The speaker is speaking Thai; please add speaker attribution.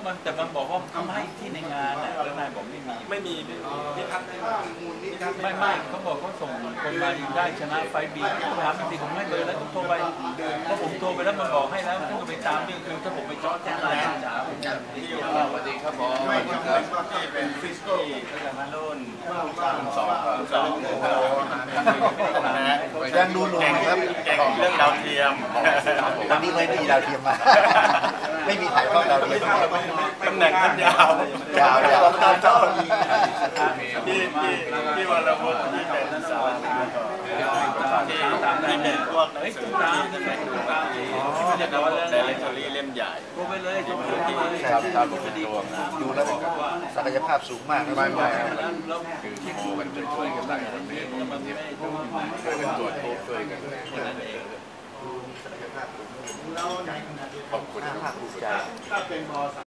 Speaker 1: มันแต่มันบอกว่าเขาให้ที่ในงานน่ะแล้วนายบอกไม่มี
Speaker 2: พิพัฒน์
Speaker 1: ไม่เขาบอกเขาส่งคนมาได้ชนะไฟบีผมถามจริงๆผมให้เบอร์แล้วผมโทรไปเพราะผมโทรไปแล้วมันบอกให้แล้วผมก็ไปตามนี่คือถ้าผมไปจอดแจ้งรายจ๋าผมจะ
Speaker 2: สวัสดีครับผมที่เป็นฟิสโก้รุ่นสอง
Speaker 3: ยังดูหนุ่มครับ
Speaker 2: เรื่องดาวเทียม
Speaker 3: ตอนนี้ไม่มีดาวเทียมมาไม่มีถ่ายทอดดาวเทียม
Speaker 2: ตำแหน่งท่านยาวยาวตามเจ้าที่วันละวันที่เป็นสาวที่เป็นพวกหนังสือที่เป็นที่จะว่าเรื่องแต่เรื่องเล่มใหญ่
Speaker 1: โทรไปเลยโทรไปเลย
Speaker 3: ครับดูแล้วศักยภาพสูงมากไม่
Speaker 4: คือที่โมกันช่วยกันหลายคนเนี่ยช่วยกันตรวจพบช่วยกันขอบคุณ
Speaker 3: ภาคภูมิใจ